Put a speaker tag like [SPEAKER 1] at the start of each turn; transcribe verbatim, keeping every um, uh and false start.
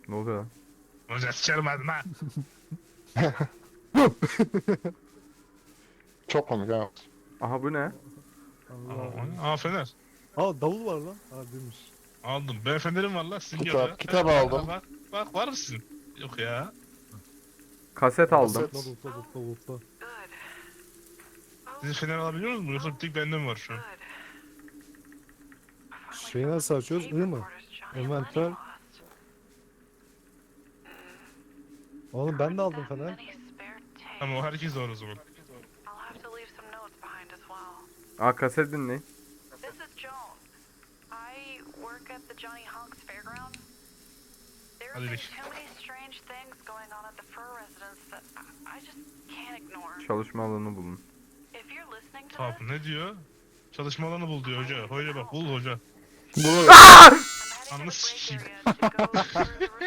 [SPEAKER 1] Ne oluyor lan?
[SPEAKER 2] Hoca sikerim hadi lan.
[SPEAKER 3] Çok komik ha.
[SPEAKER 1] Aha bu ne?
[SPEAKER 4] Allah.
[SPEAKER 2] Aa fener.
[SPEAKER 4] Aa davul var lan. Aa demiş.
[SPEAKER 2] Aldım. Ben fenerim var lan. Sizin
[SPEAKER 3] Kitap,
[SPEAKER 2] yok ya.
[SPEAKER 3] kitap
[SPEAKER 2] Bak,
[SPEAKER 3] aldım.
[SPEAKER 2] Bak, bak var mısın? Yok ya.
[SPEAKER 1] Kaset aldım.
[SPEAKER 3] Kaset.
[SPEAKER 4] Davul davul davul davul.
[SPEAKER 2] Siz fener alabiliyor musunuz? Yoksa bir tek bende mi var şu an?
[SPEAKER 4] Şeyi nasıl açıyoruz? I mı? Envanter. Oğlum ben de aldım fener.
[SPEAKER 2] Tamam o herkes var o zaman.
[SPEAKER 1] Aa kaset dinleyin.
[SPEAKER 5] This is Joan. I work at the Johnny Hunks Fairground. There have
[SPEAKER 2] Hadi
[SPEAKER 5] been
[SPEAKER 2] bir.
[SPEAKER 5] too many strange things going on at the Fur residence that I, I just can't ignore.
[SPEAKER 1] Çalışma alanı bulun.
[SPEAKER 5] If you're listening to
[SPEAKER 2] Tamam
[SPEAKER 5] this,
[SPEAKER 2] ne diyor? Çalışma alanı bul diyor hoca. Hoca bak bul hoca.
[SPEAKER 3] Bunu
[SPEAKER 5] I'm heading to the
[SPEAKER 2] Anlasın
[SPEAKER 5] break
[SPEAKER 2] sikeyim.
[SPEAKER 5] area to go through the